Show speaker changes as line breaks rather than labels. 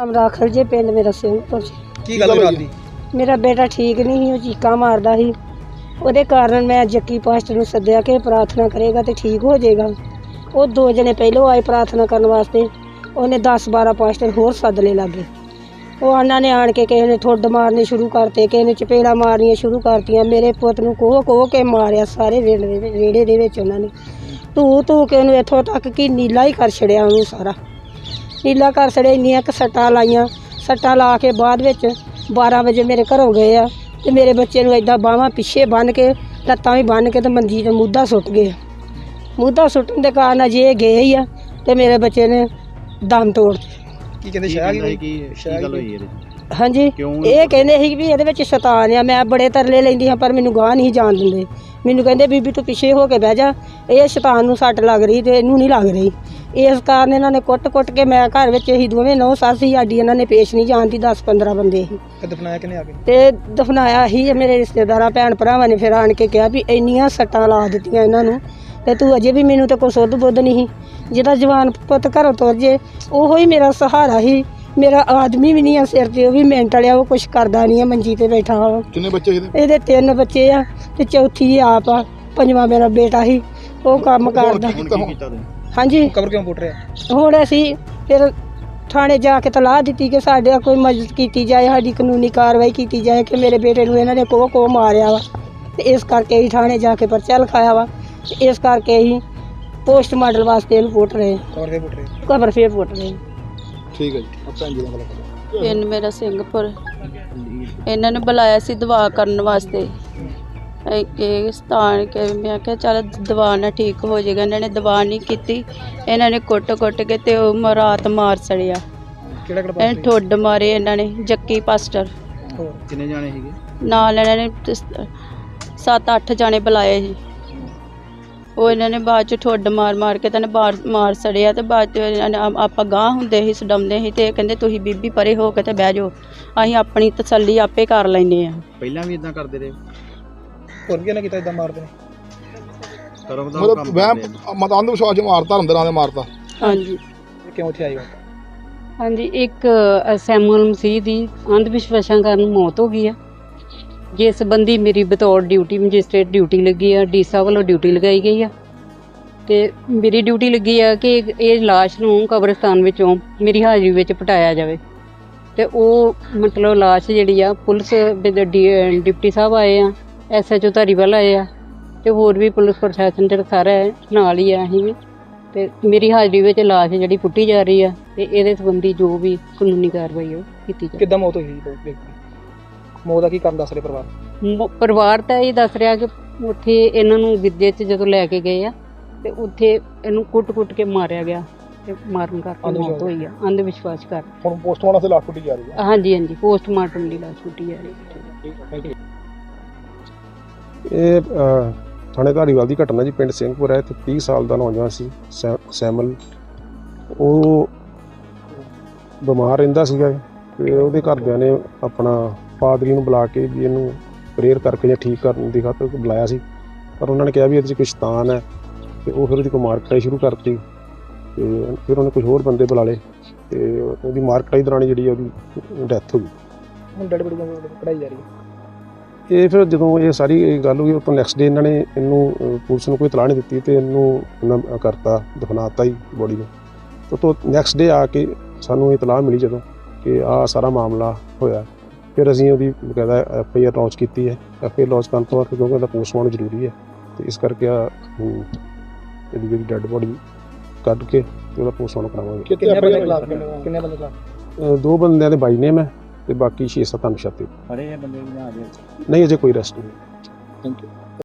ਨਾਮ ਰਾਖਲ ਜੇ, ਪਿੰਡ ਮੇਰਾ ਸਿੰਘਪੁਰ।
ਕੀ ਗੱਲ ਹੋਈ ਜੀ?
ਮੇਰਾ ਬੇਟਾ ਠੀਕ ਨਹੀਂ ਸੀ, ਉਹ ਚੀਕਾਂ ਮਾਰਦਾ ਸੀ। ਉਹਦੇ ਕਾਰਨ ਮੈਂ ਜੱਕੀ ਪਾਸਟਰ ਨੂੰ ਸੱਦਿਆ ਕਿ ਪ੍ਰਾਰਥਨਾ ਕਰੇਗਾ ਤੇ ਠੀਕ ਹੋ ਜਾਏਗਾ। ਉਹ 2 ਜਣੇ ਪਹਿਲੋਂ ਆਏ ਪ੍ਰਾਰਥਨਾ ਕਰਨ ਵਾਸਤੇ, ਉਹਨੇ 10-12 ਪਾਸਟਰ ਹੋਰ ਸੱਦ ਲਏ ਲਾਗੇ। ਉਹ ਉਹਨਾਂ ਨੇ ਆਣ ਕੇ ਕਿਸੇ ਨੇ ਠੁੱਡ ਮਾਰਨੇ ਸ਼ੁਰੂ ਕਰਤੇ, ਕਿਸੇ ਨੇ ਚਪੇੜਾਂ ਮਾਰਨੀਆਂ ਸ਼ੁਰੂ ਕਰਤੀਆਂ। ਮੇਰੇ ਪੁੱਤ ਨੂੰ ਕੋਹ ਕੇ ਮਾਰਿਆ ਸਾਰੇ ਵਿਹੜੇ ਦੇ ਵਿੱਚ। ਉਹਨਾਂ ਨੇ ਧੂ ਕੇ ਉਹਨੂੰ ਇੱਥੋਂ ਤੱਕ ਕਿ ਨੀਲਾ ਹੀ ਕਰ ਛੜਿਆ, ਉਹਨੂੰ ਸਾਰਾ ਨੀਲਾ ਕਰ ਛੜਿਆ। ਇੰਨੀਆਂ ਕੁ ਸੱਟਾਂ ਲਾਈਆਂ। ਸੱਟਾਂ ਲਾ ਕੇ ਬਾਅਦ ਵਿੱਚ 12 ਵਜੇ ਮੇਰੇ ਘਰੋਂ ਗਏ ਆ ਤੇ ਮੇਰੇ ਬੱਚੇ ਨੂੰ ਇੱਦਾਂ ਬਾਹਾਂ ਪਿੱਛੇ ਬੰਨ੍ਹ ਕੇ, ਲੱਤਾਂ ਵੀ ਬੰਨ੍ਹ ਕੇ ਤੇ ਮੰਜੀ 'ਤੇ ਮੁੱਧਾ ਸੁੱਟ ਗਏ। ਮੁੱਧਾ ਸੁੱਟਣ ਦੇ ਕਾਰਨ ਅਜੇ ਇਹ ਗਏ ਹੀ ਆ ਤੇ ਮੇਰੇ ਬੱਚੇ ਨੇ ਦਮ ਤੋੜ ਦਿੱਤੇ।
ਕੀ ਕਹਿੰਦੇ ਸ਼ਾਇਦ ਕੀ ਗੱਲ ਹੋਈ ਇਹਦੇ?
ਹਾਂਜੀ, ਇਹ ਕਹਿੰਦੇ ਸੀ ਵੀ ਇਹਦੇ ਵਿੱਚ ਸ਼ੈਤਾਨ ਆ। ਮੈਂ ਬੜੇ ਤਰਲੇ ਲੈਂਦੀ ਹਾਂ ਪਰ ਮੈਨੂੰ ਗਾਹ ਨਹੀਂ ਜਾਣ ਦਿੰਦੇ। ਮੈਨੂੰ ਕਹਿੰਦੇ ਬੀਬੀ ਤੂੰ ਪਿੱਛੇ ਹੋ ਕੇ ਬਹਿ ਜਾ, ਇਹ ਸ਼ੈਤਾਨ ਨੂੰ ਸੱਟ ਲੱਗ ਰਹੀ ਤੇ ਇਹਨੂੰ ਨਹੀਂ ਲੱਗ ਰਹੀ। ਇਸ ਕਾਰਨ ਇਹਨਾਂ ਨੇ ਕੁੱਟ ਕੇ, ਮੈਂ ਘਰ ਵਿੱਚ ਅਸੀਂ ਦੋਵੇਂ ਨੌ ਸੱਸ ਸੀ ਸਾਡੀ, ਇਹਨਾਂ ਨੇ ਪੇਸ਼ ਨਹੀਂ ਜਾਣ ਦੀ। 10-15 ਬੰਦੇ ਸੀ
ਤੇ ਦਫਨਾਇਆ ਕਿਨੇ ਆ ਕੇ?
ਤੇ ਦਫਨਾਇਆ ਹੀ ਮੇਰੇ ਰਿਸ਼ਤੇਦਾਰਾਂ ਭੈਣ ਭਰਾਵਾਂ ਨੇ। ਫਿਰ ਆਣ ਕੇ ਕਿਹਾ ਵੀ ਇੰਨੀਆਂ ਸੱਟਾਂ ਲਾ ਦਿੱਤੀਆਂ ਇਹਨਾਂ ਨੂੰ ਤੇ ਤੂੰ ਅਜੇ ਵੀ ਮੈਨੂੰ ਤੇ ਕੋਈ ਸੁੱਧ ਬੁੱਧ ਨਹੀਂ ਸੀ। ਜਿਹਦਾ ਜਵਾਨ ਪੁੱਤ ਘਰੋਂ ਤੁਰ ਜੇ ਉਹੋ ਹੀ ਮੇਰਾ ਸਹਾਰਾ ਸੀ। ਮੇਰਾ ਆਦਮੀ ਵੀ ਨਹੀਂ ਆ ਸਿਰ ਤੇ, ਉਹ ਵੀ ਮਿੰਟ ਵਾਲਿਆ, ਉਹ ਕੁਛ ਕਰਦਾ ਨਹੀਂ ਆ, ਮੰਜੀ ਤੇ ਬੈਠਾ ਵਾ।
ਕਿੰਨੇ ਬੱਚੇ
ਇਹਦੇ 3 ਬੱਚੇ ਆ ਤੇ ਚੌਥੀ ਆਪ ਆ। 5ਵਾਂ ਮੇਰਾ ਬੇਟਾ ਸੀ, ਉਹ ਕੰਮ ਕਰਦਾ। ਹਾਂਜੀ,
ਕਬਰ ਕਿਉਂ ਪੁੱਟ ਰਿਹਾ? ਹੁਣ
ਅਸੀਂ ਫਿਰ ਥਾਣੇ ਜਾ ਕੇ ਤਲਾਹ ਦਿੱਤੀ ਕਿ ਸਾਡੇ ਕੋਈ ਮਦਦ ਕੀਤੀ ਜਾਏ, ਸਾਡੀ ਕਾਨੂੰਨੀ ਕਾਰਵਾਈ ਕੀਤੀ ਜਾਏ ਕਿ ਮੇਰੇ ਬੇਟੇ ਨੂੰ ਇਹਨਾਂ ਨੇ ਕੋਹ ਮਾਰਿਆ ਵਾ। ਤੇ ਇਸ ਕਰਕੇ ਅਸੀਂ ਥਾਣੇ ਜਾ ਕੇ ਪਰਚਾ ਲਿਖਾਇਆ ਵਾ। ਤੇ ਇਸ ਕਰਕੇ ਅਸੀਂ ਪੋਸਟਮਾਰਟਮ ਵਾਸਤੇ ਇਹਨੂੰ ਪੁੱਟ ਰਹੇ। ਕਬਰ ਫੇਰ ਪੁੱਟ ਰਹੇ।
ਠੀਕ ਹੈ ਜੀ।
ਪਿੰਡ ਮੇਰਾ ਸਿੰਘਪੁਰ। ਇਹਨਾਂ ਨੇ ਬੁਲਾਇਆ ਸੀ ਦਵਾ ਕਰਨ ਵਾਸਤੇ। ਇਹ ਸਥਾਨ ਕੇ ਮੈਂ ਕਿਹਾ ਚੱਲ ਦਵਾ ਨਾਲ ਠੀਕ ਹੋ ਜਾਏਗਾ। ਇਹਨਾਂ ਨੇ ਦਵਾ ਨਹੀਂ ਕੀਤੀ। ਇਹਨਾਂ ਨੇ ਕੁੱਟ ਕੇ ਤੇ ਉਹ ਰਾਤ ਮਾਰ ਸੜਿਆ। ਇਹਨਾਂ ਠੁੱਡ ਮਾਰੇ ਇਹਨਾਂ ਨੇ। ਜੱਕੀ ਪਾਸਟਰ।
ਕਿੰਨੇ ਜਾਣੇ ਸੀਗੇ
ਨਾਲ? ਇਹਨਾਂ ਨੇ 7-8 ਜਾਣੇ ਬੁਲਾਏ ਸੀ। ਉਹ ਇਹਨਾਂ ਨੇ ਬਾਅਦ 'ਚ ਠੁੱਡ ਮਾਰ ਕੇ ਤਾਂ ਮਾਰ ਸੜਿਆ। ਤੇ ਬਾਅਦ 'ਚ ਆਪਾਂ ਗਾਂਹ ਹੁੰਦੇ ਸੀ, ਸਡਾਉਂਦੇ ਸੀ ਤੇ ਕਹਿੰਦੇ ਤੁਸੀਂ ਬੀਬੀ ਪਰੇ ਹੋ ਕੇ ਤੇ ਬਹਿ ਜਾਓ, ਅਸੀਂ ਆਪਣੀ ਤਸੱਲੀ ਆਪੇ ਕਰ ਲੈਂਦੇ ਹਾਂ।
ਪਹਿਲਾਂ ਵੀ ਇਦਾਂ ਕਰਦੇ ਰਹੇ? ਹੋਰ ਕੀ ਨਾ ਕੀਤਾ ਇਦਾਂ ਮਾਰਦੇ ਨੇ? ਮਤਲਬ ਅੰਧ ਵਿਸ਼ਵਾਸ ਮਾਰਤਾ, ਅੰਦਰਾਂ ਦੇ ਮਾਰਤਾ।
ਹਾਂਜੀ।
ਕਿਉਂ ਇੱਥੇ ਆਈ?
ਹਾਂਜੀ, ਇੱਕ ਸੈਮੂਅਲ ਮਸੀਹ ਦੀ ਅੰਧ ਵਿਸ਼ਵਾਸਾਂ ਕਾਰਨ ਮੌਤ ਹੋ ਗਈ ਆ, ਜਿਸ ਸੰਬੰਧੀ ਮੇਰੀ ਬਤੌਰ ਡਿਊਟੀ ਮੈਜਿਸਟ੍ਰੇਟ ਡਿਊਟੀ ਲੱਗੀ ਆ। ਡੀਸਾ ਵੱਲੋਂ ਡਿਊਟੀ ਲਗਾਈ ਗਈ ਆ ਤੇ ਮੇਰੀ ਡਿਊਟੀ ਲੱਗੀ ਆ ਕਿ ਇਹ ਲਾਸ਼ ਨੂੰ ਕਬਰਸਤਾਨ ਵਿੱਚੋਂ ਮੇਰੀ ਹਾਜ਼ਰੀ ਵਿੱਚ ਪਟਾਇਆ ਜਾਵੇ। ਤੇ ਉਹ ਮਤਲਬ ਲਾਸ਼ ਜਿਹੜੀ ਆ ਪੁਲਿਸ ਡਿਪਟੀ ਸਾਹਿਬ ਆਏ ਆ, SHO ਧਾਰੀਵਾਲ ਆਏ ਆ ਤੇ ਹੋਰ ਵੀ ਪੁਲਿਸ ਪ੍ਰਸ਼ਾਸਨ ਜਿਹੜਾ ਸਾਰਾ ਨਾਲ ਹੀ ਆ। ਅਸੀਂ ਵੀ ਤੇ ਮੇਰੀ ਹਾਜ਼ਰੀ ਵਿੱਚ ਲਾਸ਼ ਜਿਹੜੀ ਪੁੱਟੀ ਜਾ ਰਹੀ ਆ ਤੇ ਇਹਦੇ ਸੰਬੰਧੀ ਜੋ ਵੀ ਕਾਨੂੰਨੀ ਕਾਰਵਾਈ ਉਹ ਕੀਤੀ ਜਾਵੇ।
ਕਿੱਦਾਂ ਮੌਤ ਹੋਈ? ਮੌਤ ਦਾ ਕੀ ਕਾਰਨ ਦੱਸ ਰਹੇ
ਪਰਿਵਾਰ ਤਾਂ ਇਹ ਦੱਸ ਰਿਹਾ ਕਿ ਉੱਥੇ ਇਹਨਾਂ ਨੂੰ ਗਿੱਜੇ 'ਚ ਜਦੋਂ ਲੈ ਕੇ ਗਏ ਆ ਤੇ ਉੱਥੇ ਇਹਨੂੰ ਕੁੱਟ ਕੇ ਮਾਰਿਆ ਗਿਆ ਤੇ ਮਾਰਨ ਕਰਕੇ ਮੌਤ ਹੋਈ ਆ, ਅੰਧ ਵਿਸ਼ਵਾਸ ਕਰ।
ਹੁਣ ਪੋਸਟਮਾਰਟਮ ਤੇ ਲਾਸ਼ ਪੁੱਟੀ ਜਾ ਰਹੀ ਹੈ?
ਹਾਂਜੀ, ਪੋਸਟਮਾਰਟਮ ਦੀ ਲਾਸ਼ ਪੁੱਟੀ ਜਾ ਰਹੀ ਹੈ।
ਇਹ ਥਾਣੇ ਧਾਰੀਵਾਲ ਦੀ ਘਟਨਾ ਜੀ। ਪਿੰਡ ਸਿੰਘਪੁਰ ਹੈ। ਇੱਥੇ 30 ਸਾਲ ਦਾ ਨੌਜਵਾਨ ਸੀ ਸੈਮਲ। ਉਹ ਬਿਮਾਰ ਰਹਿੰਦਾ ਸੀਗਾ ਤੇ ਉਹਦੇ ਘਰਦਿਆਂ ਨੇ ਆਪਣਾ ਪਾਦਰੀ ਨੂੰ ਬੁਲਾ ਕੇ ਵੀ ਇਹਨੂੰ ਪ੍ਰੇਅਰ ਕਰਕੇ ਜਾਂ ਠੀਕ ਕਰਨ ਦੀ ਖਾਤਰ ਬੁਲਾਇਆ ਸੀ, ਪਰ ਉਹਨਾਂ ਨੇ ਕਿਹਾ ਵੀ ਇਹਦੇ 'ਚ ਕੋਈ ਸ਼ੈਤਾਨ ਹੈ ਤੇ ਉਹ ਫਿਰ ਉਹਦੀ ਕੋਈ ਮਾਰ ਕੁਟਾਈ ਸ਼ੁਰੂ ਕਰਤੀ। ਤੇ ਫਿਰ ਉਹਨੇ ਕੁਝ ਹੋਰ ਬੰਦੇ ਬੁਲਾ ਲਏ ਤੇ ਉਹਦੀ ਮਾਰ ਕੁਟਾਈ ਦੌਰਾਨ ਜਿਹੜੀ ਉਹਦੀ ਡੈਥ ਹੋ ਗਈ।
ਹੁਣ ਡੈਡ ਬੋਡੀ ਕਢਾਈ ਜਾ ਰਹੀ ਹੈ।
ਇਹ ਫਿਰ ਜਦੋਂ ਇਹ ਸਾਰੀ ਗੱਲ ਹੋਈ, ਉਹ ਤੋਂ ਨੈਕਸਟ ਡੇ ਇਹਨਾਂ ਨੇ ਇਹਨੂੰ ਪੁਲਿਸ ਨੂੰ ਕੋਈ ਇਤਲਾਹ ਨਹੀਂ ਦਿੱਤੀ ਤੇ ਇਹਨੂੰ ਕਰਤਾ, ਦਫਨਾਤਾ ਹੀ ਬੋਡੀ ਨੂੰ। ਉਹ ਤੋਂ ਨੈਕਸਟ ਡੇ ਆ ਕੇ ਸਾਨੂੰ ਇਤਲਾਹ ਮਿਲੀ ਜਦੋਂ ਕਿ ਆਹ ਸਾਰਾ ਮਾਮਲਾ ਹੋਇਆ। ਫਿਰ ਅਸੀਂ ਉਹਦੀ ਬਕਾਇਦਾ FIR ਲੌਂਚ ਕੀਤੀ ਹੈ। FIR ਲੌਂਚ ਕਰਨ ਤੋਂ ਬਾਅਦ ਕਿਉਂਕਿ ਉਹਦਾ ਪੋਸਟਮਾਰਟਮ ਜ਼ਰੂਰੀ ਹੈ ਤੇ ਇਸ ਕਰਕੇ ਇਹਦੀ ਜਿਹੜੀ ਡੈਡ ਬੋਡੀ ਕੱਢ ਕੇ ਤੇ ਉਹਦਾ ਪੋਸਟਮਾਰਟਮ ਕਰਾਵਾਂਗੇ।
ਕਿੰਨੇ ਬੰਦੇ ਖਿਲਾਫ?
2 ਬੰਦਿਆਂ ਦੇ ਬਾਈ ਨੇਮ ਹੈ ਤੇ ਬਾਕੀ 6-7 ਅਣਪਛਾਤੇ।
ਅਰੇ ਇਹ ਬੰਦੇ
ਨਹੀਂ, ਅਜੇ ਕੋਈ ਅਰੈਸਟ ਨਹੀਂ।
Thank you.